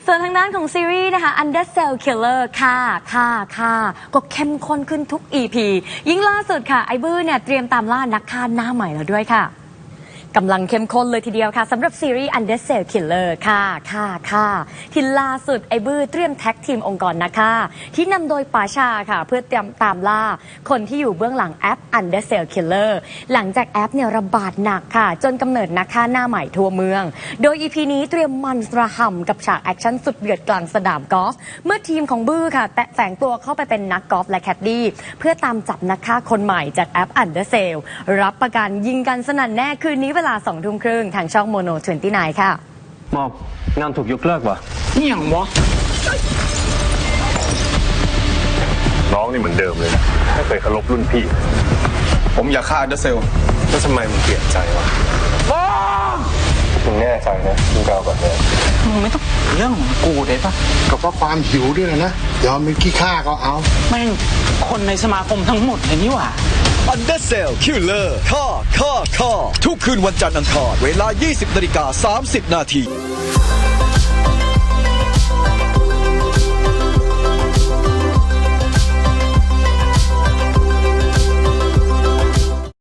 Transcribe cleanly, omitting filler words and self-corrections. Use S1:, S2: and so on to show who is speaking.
S1: ส่วนทางด้านของซีรีส์นะคะ Undercell Killer ค่ะก็เข้มข้นขึ้นทุก EP ยิ่งล่าสุดค่ะไอ้บื้อเนี่ยเตรียมตามล่านักฆ่าหน้าใหม่แล้วด้วยค่ะกำลังเข้มข้นเลยทีเดียวค่ะสำหรับซีรีส์ Undercell Killer ค่ะที่ล่าสุดไอ้บื้อเตรียมแท็กทีมองค์กรนะคะที่นำโดยปาชาค่ะเพื่อเตรียมตามล่าคนที่อยู่เบื้องหลังแอป Undercell Killer หลังจากแอปเนี่ยระบาดหนักค่ะจนกำเนิดนักฆ่าหน้าใหม่ทั่วเมืองโดย EP นี้เตรียมมันระห่ำกับฉากแอคชั่นสุดเดือดกลางสนามกอล์ฟเมื่อทีมของบื้อค่ะแฝงตัวเข้าไปเป็นนักกอล์ฟและแคดดี้เพื่อตามจับนักฆ่าคนใหม่จากแอป Undercell รับประกันยิงกันสนั่นแน่คืนนี้เวลา20:30 น.ทางช่องโมโน 29 ค่ะ
S2: มอบงานถูกยกเลิกวะ
S3: นี่อย่างวะ
S4: น้องนี่เหมือนเดิมเลยนะไม่เคยเคารพรุ่นพี่ผมอยากฆ่าเดอะเซลแล้วทำไมมึงเปลี่ยนใจวะมึงแน่ใจนะมึงกล่าวก่อนเลย
S3: มึงไม่ต้องเรื่องของกูได้ปะ
S5: ก็เพราะความหิวด้วยนะยอมเป็นขี้ข้าก็เอา
S3: แม่งคนในสมาคมทั้งหมดเลยนี่หว่า
S6: Undercell Killer ฆ่าทุกคืนวันจันทร์อังคารเวลา 20:30 น.